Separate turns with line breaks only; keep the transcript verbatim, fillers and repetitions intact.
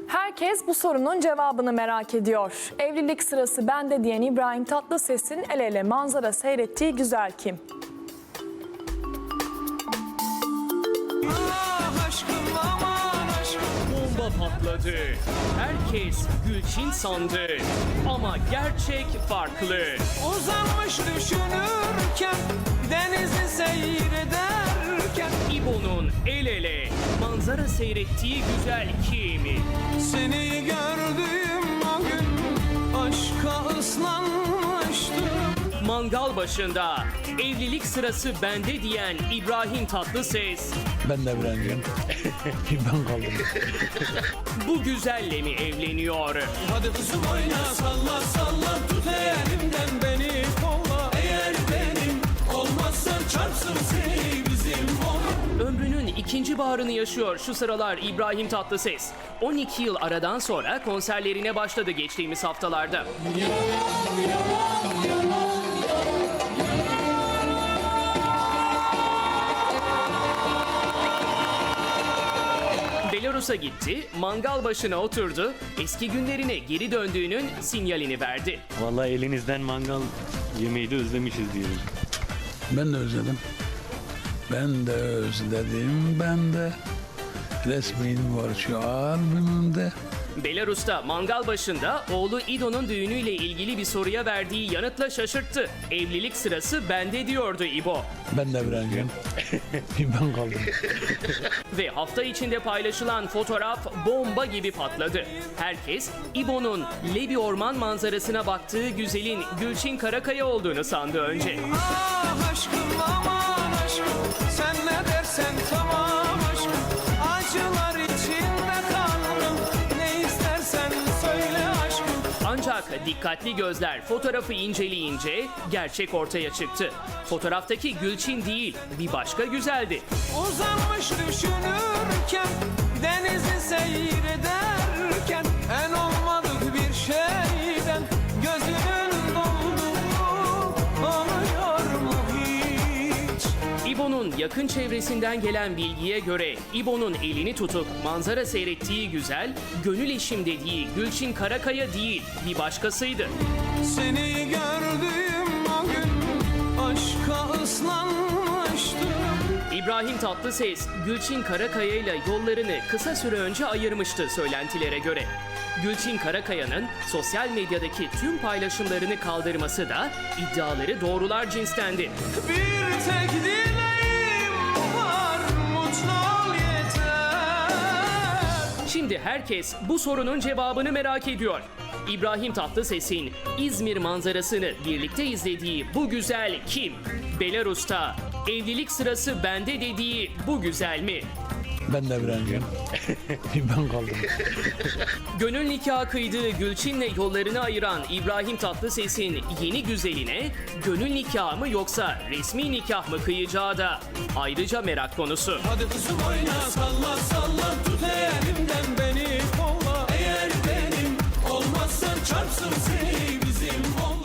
Herkes bu sorunun cevabını merak ediyor. Evlilik sırası bende diyen İbrahim Tatlıses'in el ele manzara seyrettiği güzel kim?
Bomba patladı. Herkes Gülçin sandı. Ama gerçek farklı.
Uzanmış düşünürken, denizi seyrederken
İbo'nun el ele manzara seyrettiği güzel kim?
seni gördüğüm o gün aşka ıslanmıştım.
Mangal başında evlilik sırası bende diyen İbrahim Tatlıses
Ben de evleneceğim. Ben kaldım.
bu güzelle mi evleniyor?
Hadi kızım oyna, salla salla, tut elimden beni kolla. Eğer benim olmazsan çarpsın seni bizim oğlan.
Ömrünün ikinci baharını yaşıyor şu sıralar İbrahim Tatlıses. on iki yıl aradan sonra konserlerine başladı geçtiğimiz haftalarda. Belarus'a gitti, mangal başına oturdu, eski günlerine geri döndüğünün sinyalini verdi.
Vallahi elinizden mangal yemeği de özlemişiz diyelim.
Ben de özledim. Ben de özledim. Ben de resmin var şu albümümde.
Belarus'ta mangal başında oğlu İdo'nun düğünüyle ilgili bir soruya verdiği yanıtla şaşırttı. Evlilik sırası bende diyordu İbo.
Ben de evleneceğim. Ben kaldım.
Ve hafta içinde paylaşılan fotoğraf bomba gibi patladı. Herkes İbo'nun Lebi Orman manzarasına baktığı güzelin Gülçin Karakaya olduğunu sandı önce.
Ah aşkım, aman aşkım, sen ne dersen tamam aşkım. Acılar içinde kaldım, ne istersen söyle aşkım.
Ancak dikkatli gözler fotoğrafı inceleyince gerçek ortaya çıktı. Fotoğraftaki Gülçin değil, bir başka güzeldi.
Uzanmış düşünürken, denizi seyrederken, en olmadık bir şeyden gözünün dolduğu oluyor mu hiç?
İbo'nun yakın çevresinden gelen bilgiye göre İbo'nun elini tutup manzara seyrettiği güzel, gönül eşim dediği Gülçin Karakaya değil, bir başkasıydı.
Seni gördüğüm o gün aşka ıslanmıştım.
İbrahim Tatlıses, Gülçin Karakaya ile yollarını kısa süre önce ayırmıştı söylentilere göre. Gülçin Karakaya'nın sosyal medyadaki tüm paylaşımlarını kaldırması da iddiaları doğrular cinstendi.
Bir tek dileğim var, mutlu ol yeter.
Şimdi herkes bu sorunun cevabını merak ediyor. İbrahim Tatlıses'in İzmir manzarasını birlikte izlediği bu güzel kim? Belarus'ta evlilik sırası bende dediği bu güzel mi?
Ben de evleneceğim. Ben kaldım.
Gönül nikahı kıydığı Gülçin'le yollarını ayıran İbrahim Tatlıses'in yeni güzeline gönül nikahı mı yoksa resmi nikah mı kıyacağı da ayrıca merak konusu.
Hadi kızım oyna, salla salla, tut elimden beni kolla. Eğer benim olmazsan çarpsın seni bizim oğlan.